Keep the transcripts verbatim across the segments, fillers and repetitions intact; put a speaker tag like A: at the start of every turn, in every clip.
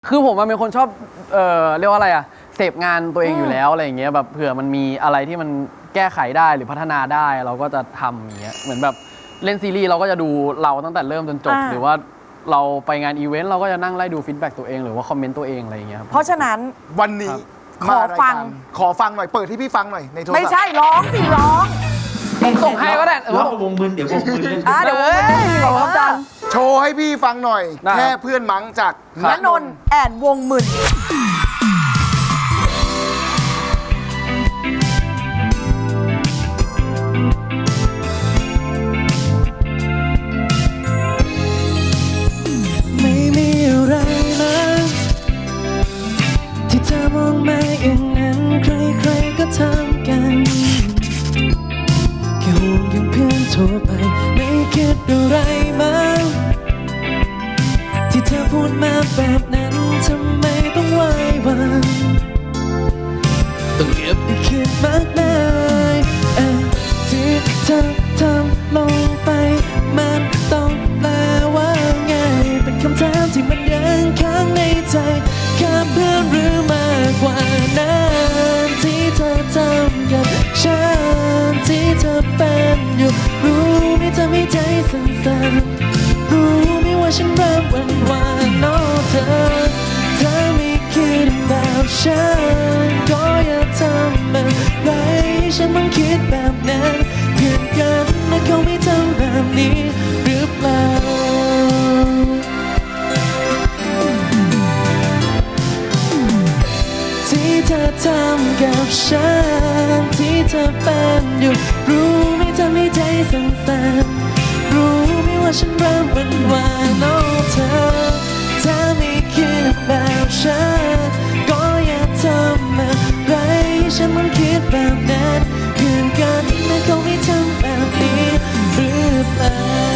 A: คือผมมันเป็นคนชอบเอ่อเรียกว่าอะไรอะเสพงานตัวเองอยู่แล้วอะไรอย่างเงี้ยแบบเผื่อมันมีอะไรที่มันแก้ไขได้หรือพัฒนาได้เราก็จะทำอย่างเงี้ยเหมือนแบบเล่นซีรีส์เราก็จะดูเราตั้งแต่เริ่มจนจบหรือว่าเราไปงานอีเวนต์เราก็จะนั่งไล่ดูฟีดแบ็กตัวเองหรือว่าคอมเมนต์ตัวเองอะไรอย่างเงี้ยครับ
B: เพราะฉะนั้น
C: วันนี้
B: ขอฟัง
C: ขอฟังหน่อยเปิดที่พี่ฟังหน่อยในโทรศัพท์
B: ไม่ใช่ร้องสิร้อง
A: ผมส่งให้ก็ได้เออ
D: แล้ววงมึนเดี๋ยววงมึนเล่น
B: อ่ะเดี๋ยววงมึนเล่นดีกว่าครับอาจารย์
C: โชว์ให้พี่ฟังหน่อย
A: ได้
C: แค่เพื่อนมั้งจาก
B: ณนนท์แอนวงหมื่น
E: ไม่มีอะไรเลยที่เธอมองมาอย่างนั้นใครๆก็ทำกันแค่ห่วงอย่างเพื่อนทั่วไปไม่คิดอะไรมาที่เธอพูดมาแบบนั้นทำไมต้องไหว้วันต้องเก็บไปคิดมากมายเอ่อที่เธอทำลงไปมันต้องแปลว่าไงเป็นคำถามที่มันยังค้างในใจแค่เพื่อนหรือมากกว่านั้นที่เธอทำกับฉันที่เธอเป็นอยู่รู้ไหมเธอไม่ใจสั่นๆรู้ไหมว่าฉันเริ่มหวั่นหวานโน้เธอเธอไม่คิดแบบฉันก็อย่าทำอะไรฉันต้องคิดแบบนั้นเพื่อนกันนะเขาไม่ทำแบบนี้หรือเปล่าที่เธอทำกับฉันที่เธอเป็นอยู่รู้ไหมเธอไม่ใจสั่นๆรู้ไหมว่าฉันเริ่มหวั่นหวานโน้เธอเธอไม่คิดแบบฉันก็อย่าทำอะไรฉันต้องคิดแบบนั้นเพื่อนกันนะเขาไม่ทำแบบนี้หรือเปล่า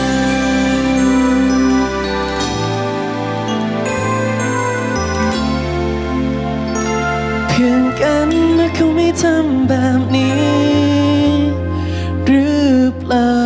E: เพื่อนกันนะเขาไม่ทำแบบนี้หรือเปล่า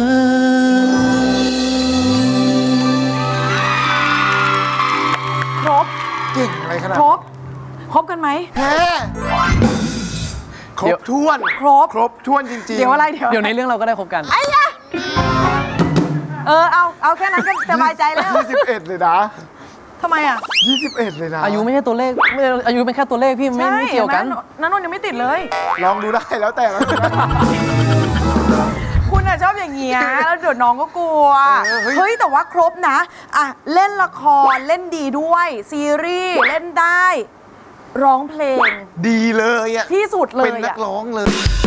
B: ครบ
C: เก่งอะไรขนาด
B: ครบครบกันไหม
C: แค่ครบถ้วน
B: ครบ
C: ครบถ้วนจริงๆ
B: เดี๋ยวอะไรเดี๋ยว
A: เดี๋ยวในเรื่องเราก็ได้คบกัน
B: ไอ้ยะเออเอาเอาแค่นั้นก็สบายใจแล้ว
C: ยี่สิบเอ็ดเลยนะ
B: ทำไมอ่ะ
C: ยี่สิบเอ็ดเลยนะ
A: อายุไม่ใช่ตัวเลขไม่อายุเป็นแค่ตัวเลขพี่ไม่ไม่เกี่ยวกัน
B: นันนนท์ยังไม่ติดเลย
C: ลองดูได้แล้วแต่แล้วกัน
B: คุณอะชอบอย่างเงี้ยแล้วเดี๋ยวน้องก็กลัว
C: เออเฮ้ย
B: เฮ้ยแต่ว่าครบนะอ่ะเล่นละครเล่นดีด้วยซีรีส์เล่นได้ ร้องเพลง
C: ดีเลยอ่ะ
B: ที่สุดเลย
C: เป็นนั
B: อะ
C: กร้องเลย